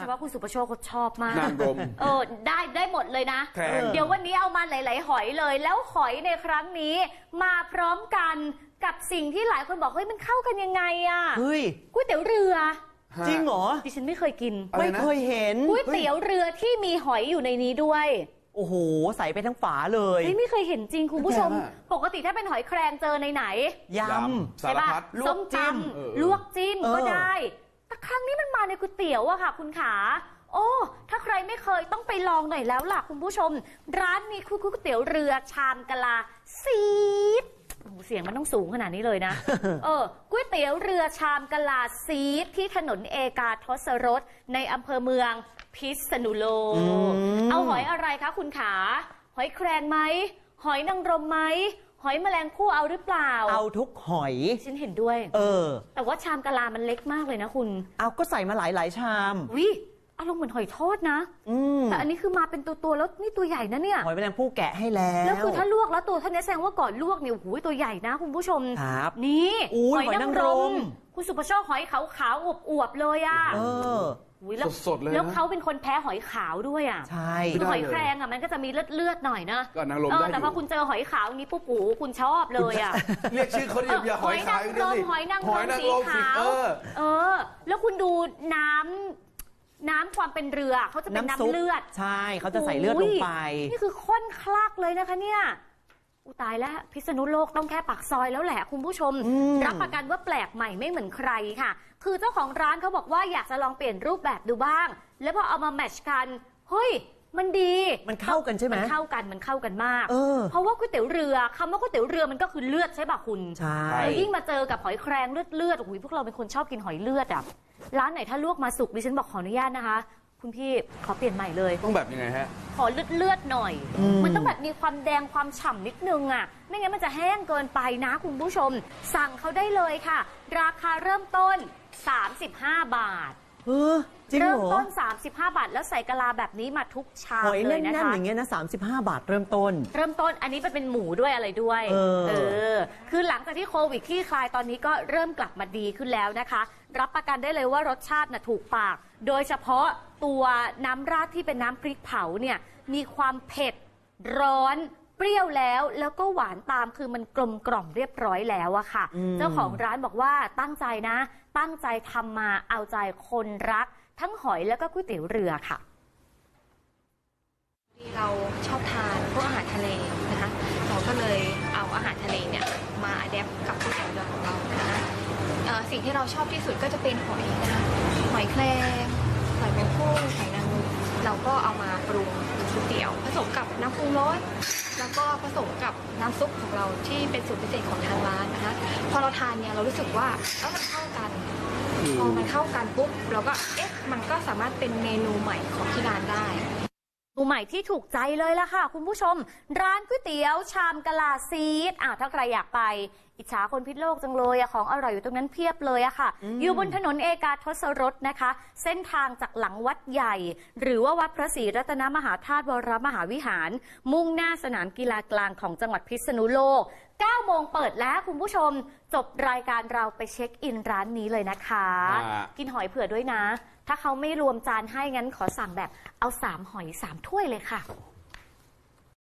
ฉพาะคุณสุประโชคเขาชอบมากนางรมได้หมดเลยนะเดี๋ยววันนี้เอามาหลายๆหอยเลยแล้วหอยในครั้งนี้มาพร้อมกันกับสิ่งที่หลายคนบอกเฮ้ยมันเข้ากันยังไงอะก๋วยเตี๋ยวเรือจริงเหรอดิฉันไม่เคยกินไม่เคยเห็นก๋วยเตี๋ยวเรือที่มีหอยอยู่ในนี้ด้วยโอ้โหใส่ไปทั้งฝาเลยไม่เคยเห็นจริงคุณผู้ชมปกติถ้าเป็นหอยแครงเจอในไหนยำใช่ป่ะส้มตำลวกจิ้มก็ได้แต่ครั้งนี้มันมาในก๋วยเตี๋ยวอะค่ะคุณขาโอ้ถ้าใครไม่เคยต้องไปลองหน่อยแล้วล่ะคุณผู้ชมร้านนี้คือก๋วยเตี๋ยวเรือชามกะลาซีดเสียงมันต้องสูงขนาดนี้เลยนะก๋วยเตี๋ยวเรือชามกะลาซีดที่ถนนเอกาทศรสในอำเภอเมืองพิษณุโลกเอาหอยอะไรคะคุณขาหอยแครงไหมหอยนางรมไหมหอยแมลงภู่เอาหรือเปล่าเอาทุกหอยฉันเห็นด้วยแต่ว่าชามกะลามันเล็กมากเลยนะคุณเอาก็ใส่มาหลายชามวิอารมณ์เหมือนหอยทอดนะแต่อันนี้คือมาเป็นตัวแล้วนี่ตัวใหญ่นะเนี่ยหอยแมลงภู่แกะให้แล้วคือถ้าลวกแล้วตัวเท่านี้แสดงว่าก่อนลวกเนี่ยโอ้โหตัวใหญ่นะคุณผู้ชมครับนี่หอยนางรมคุณสุภโชคหอยขาวๆอวบๆเลยอ่ะสดๆเลยแล้วเขาเป็นคนแพ้หอยขาวด้วยอ่ะใช่คือหอยแครงอ่ะมันก็จะมีเลือดหน่อยนะก็นางรมได้แต่พอคุณเจอหอยขาวนี้ปุ๊บปูคุณชอบเลยอ่ะเรียกชื่อเขาอย่าหอยขาวหอยนางรมสีขาวแล้วคุณดูน้ำความเป็นเรือเขาจะเป็นน้ำเลือดใช่เขาจะใส่เลือดลงไปนี่คือข้นคลักเลยนะคะเนี่ยตายแล้วพิษณุโลกต้องแค่ปากซอยแล้วแหละคุณผู้ชมรับประกันว่าแปลกใหม่ไม่เหมือนใครค่ะคือเจ้าของร้านเขาบอกว่าอยากจะลองเปลี่ยนรูปแบบดูบ้างแล้วพอเอามาแมทช์กันเฮ้ยมันดีมันเข้ากันใช่ไหมมันเข้ากันมากเพราะว่าก๋วยเตี๋ยวเรือคำว่าก๋วยเตี๋ยวเรือมันก็คือเลือดใช่ป่ะคุณใช่แล้วยิ่งมาเจอกับหอยแครงเลือดโอ้โหพวกเราเป็นคนชอบกินหอยเลือดอ่ะร้านไหนถ้าลวกมาสุกดิฉันบอกขออนุญาตนะคะคุณพี่ขอเปลี่ยนใหม่เลยต้องแบบยังไงฮะขอเลือดหน่อยมันต้องแบบมีความแดงความฉ่ำนิดนึงอ่ะไม่งั้นมันจะแห้งเกินไปนะคุณผู้ชมสั่งเขาได้เลยค่ะราคาเริ่มต้น35 บาทเริ่มต้น35 บาทแล้วใส่กะลาแบบนี้มาทุกชามเลยนะคะหอยแน่นๆอย่างเงี้ยนะ35 บาทเริ่มต้นอันนี้เป็นหมูด้วยอะไรด้วยคือหลังจากที่โควิดคลี่คลายตอนนี้ก็เริ่มกลับมาดีขึ้นแล้วนะคะรับประกันได้เลยว่ารสชาติน่ะถูกปากโดยเฉพาะตัวน้ำราดที่เป็นน้ำพริกเผาเนี่ยมีความเผ็ดร้อนเปรี้ยวแล้วก็หวานตามคือมันกลมกล่อมเรียบร้อยแล้วอะค่ะเจ้าของร้านบอกว่าตั้งใจทำมาเอาใจคนรักทั้งหอยแล้วก็ก๋วยเตี๋ยวเรือค่ะเราชอบทานพวกอาหารทะเลนะคะเราก็เลยเอาอาหารทะเลเนี่ยมาอัดแอปกับก๋วยเตี๋ยวเรือของเรานะคะสิ่งที่เราชอบที่สุดก็จะเป็นหอยนะคะหอยแครงหอยแมงภู่หอยนางรมเราก็เอามาปรุงก๋วยเตี๋ยวผสมกับน้ำปรุงรสแล้วก็ผสมกับน้ำซุปของเราที่เป็นสูตรพิเศษของทางร้านนะคะพอเราทานเนี่ยเรารู้สึกว่ามันเข้ากันพอมันเข้ากันปุ๊บเราก็มันก็สามารถเป็นเมนูใหม่ของที่ร้านได้ใหม่ที่ถูกใจเลยล่ะค่ะคุณผู้ชมร้านก๋วยเตี๋ยวชามกะลาซีดถ้าใครอยากไปอิจฉาคนพิษโลกจังเลยของอร่อยอยู่ตรงนั้นเพียบเลยอะค่ะอยู่บนถนนเอกาทศรสนะคะเส้นทางจากหลังวัดใหญ่หรือว่าวัดพระศรีรัตนมหาธาตุวรมหาวิหารมุ่งหน้าสนามกีฬากลางของจังหวัดพิษณุโลก9 โมงเปิดแล้วคุณผู้ชมจบรายการเราไปเช็คอินร้านนี้เลยนะคะกินหอยเผื่อด้วยนะถ้าเขาไม่รวมจานให้งั้นขอสั่งแบบเอา3 หอย 3 ถ้วยเลยค่ะ